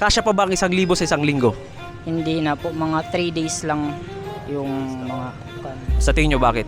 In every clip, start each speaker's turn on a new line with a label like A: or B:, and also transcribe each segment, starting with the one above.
A: Kasya pa ba ang 1,000 sa isang linggo?
B: Hindi na po, mga 3 days lang yung mga
A: Sa tingin nyo bakit?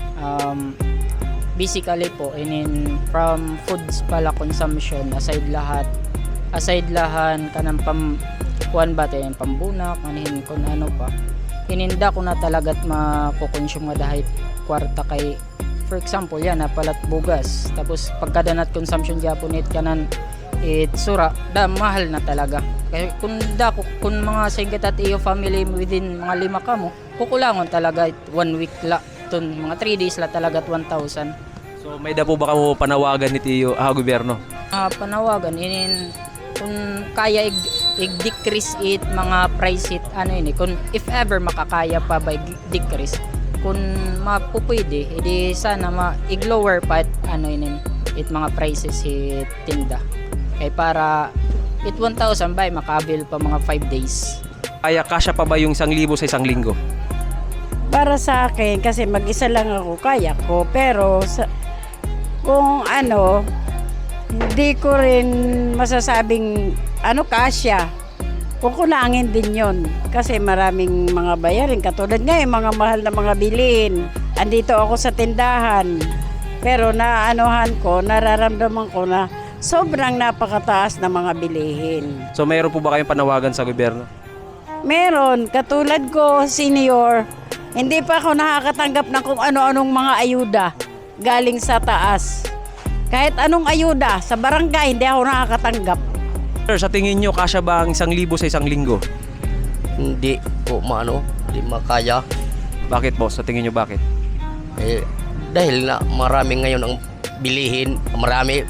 B: basically po, from foods pala consumption, aside lahan kanang kuan ba tayo, pambunak, anihin kung ano pa. Hininda ko na talaga't makukonsume nga dahil kwarta kay, for example, yan, napalat bugas. Tapos pagkadanat consumption Japonit kanan, sura, mahal na talaga. Kaya kung mga singkat at iyo family within mga 5 ka mo, kukulangon talaga 1 week la. Mga 3 days la talaga at 1,000.
A: So may da po ba kamo panawagan ni Tiyo gobyerno?
B: Panawagan, kung kaya i-decrease it, mga price it, kung if ever makakaya pa by decrease, kung mapupwede, edi sana i-lower pa it mga prices it tinda. Kaya para 1,000 ba makabil pa mga 5 days.
A: Kaya kasya pa ba yung 1,000 sa isang linggo?
C: Para sa akin, kasi mag-isa lang ako, kaya ko. Pero kung hindi ko rin masasabing kasya. Kukulangin din yon kasi maraming mga bayarin. Katulad nga yung mga mahal na mga bilhin. Andito ako sa tindahan. Pero nararamdaman ko na sobrang napakataas na mga bilihin.
A: So mayroon po ba kayong panawagan sa gobyerno?
C: Meron, katulad ko, senior, hindi pa ako nakakatanggap ng kung ano-anong mga ayuda galing sa taas. Kahit anong ayuda, sa barangay, hindi ako nakakatanggap.
A: Sir, sa tingin nyo, kasya ba ang 1,000 sa isang linggo?
D: Hindi po hindi makaya.
A: Bakit po? Sa tingin nyo bakit?
D: Dahil na marami ngayon ang bilihin, marami,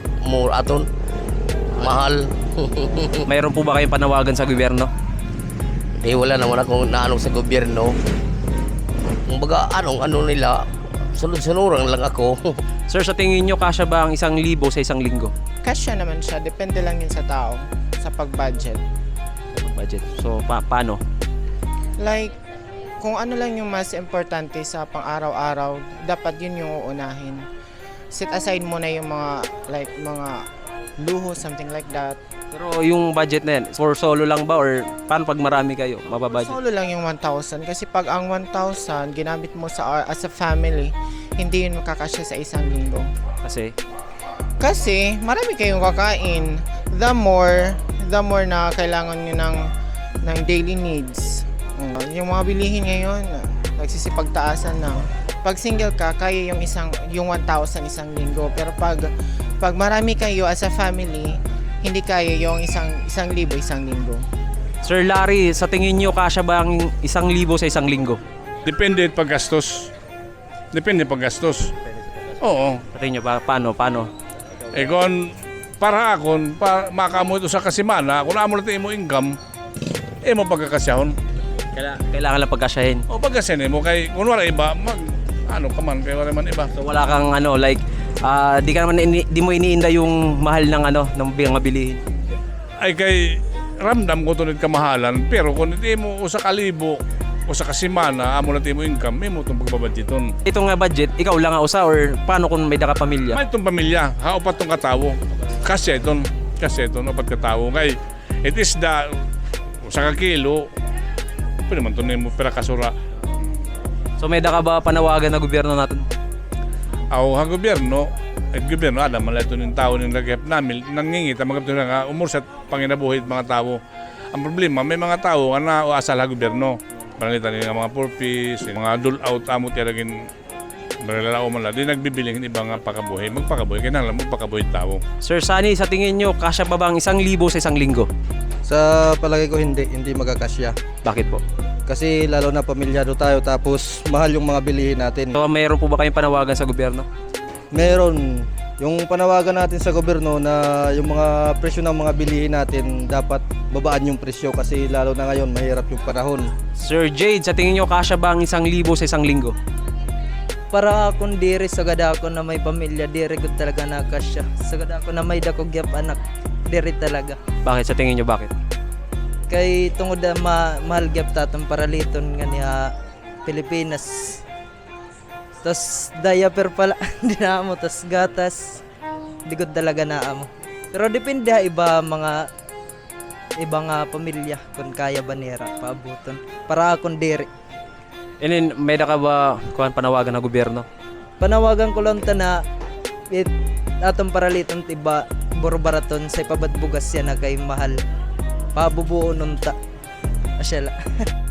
D: mahal.
A: Mayroon po ba kayong panawagan sa gobyerno?
D: Wala naman akong naanong sa gobyerno. Kumbaga, nila, sunod-sunuran lang ako.
A: Sir, sa tingin nyo, kasya ba ang 1,000 sa isang linggo?
E: Kasya naman siya, depende lang yun sa tao, sa pag-budget.
A: Budget. So, paano?
E: Like, kung ano lang yung mas importante sa pang-araw-araw, dapat yun yung uunahin. Set aside mo na yung mga luho, something like that.
A: Pero yung budget na yan, for solo lang ba or paano pag marami kayo, mababudget?
E: Solo lang yung 1,000 kasi pag ang 1,000 ginamit mo as a family, hindi yun makakasya sa isang linggo. Kasi marami kayong kakain. The more na kailangan nyo ng daily needs. Yung mga bilihin ngayon, nagsisipagtaasan na. Pag single ka, kaya yung 1,000 isang linggo. Pero pag marami kayo as a family, hindi kaya yung 1,000 isang linggo.
A: Sir Larry, sa tingin nyo, kasya ba ang 1,000 sa isang linggo?
F: Depende paggastos. Oo.
A: Sa tingin nyo, paano?
F: Kung para akon, makamo ito sa kasimana, kung amo natin mo income, mo pagkakasyahon.
A: Kailangan lang pagkasyahin.
F: O pagkasyahin mo, kay kung wala iba, kay wala man iba.
A: So wala kang di mo iniinda yung mahal ng ng mga bilihin.
F: Ay kay ramdam ko tunid kamahalan, pero kung hindi mo usa ka libo o sa kasimana, amo natin mo income, may mo itong pagbabadgeton.
A: Itong budget, ikaw lang usa or paano kung may daka pamilya?
F: May itong pamilya, upat itong katawo. Kasi itong, upat katawo. Kay, it is sa kakilo, pwede man ito mo pera kasura.
A: So may daka ba panawagan na gobyerno natin?
F: Ang gobyerno, alam mo ito ng tao ng lagip namin, nangingit ang mga nga umursat panginabuhit mga tao. Ang problema, may mga tao na uasal ang gobyerno. Barangita nila mga purpose, mga dole out, amo tiyaragin, barangilao man lang. Di nagbibiling ibang pakabuhay, magpakabuhay, kaya lang magpakabuhay tao.
A: Sir Sunny, sa tingin nyo, kasya ba bang 1,000 sa isang linggo?
G: Sa palagay ko hindi magkakasya.
A: Bakit po?
G: Kasi lalo na pamilyado tayo tapos mahal yung mga bilihin natin.
A: So mayroon po ba kayong panawagan sa gobyerno?
G: Meron. Yung panawagan natin sa gobyerno na yung mga presyo ng mga bilihin natin dapat babaan yung presyo kasi lalo na ngayon mahirap yung panahon.
A: Sir Jade, sa tingin nyo, kasya ba ang 1,000 sa isang linggo?
H: Para akong diri sa gada ako na may pamilya, diri ko talaga nakasya. Sa gada ako na may dakogyap anak, diri talaga.
A: Bakit? Sa tingin nyo, bakit?
H: Kay tungod na mahal gyap tatong paraliton nga niya Pilipinas. Tas diaper pala di na mo, tas gatas. Di ko talaga na amo. Pero depende iba mga ibang pamilya kung kaya banera paabuton para akong diri.
A: Inin, may da ka ba kuan panawagan na gobyerno?
H: Panawagan ko lang ta na atong paraliton tiba borbaraton sa ipabatbugas yan na kay mahal pabubuo nun ta asyala.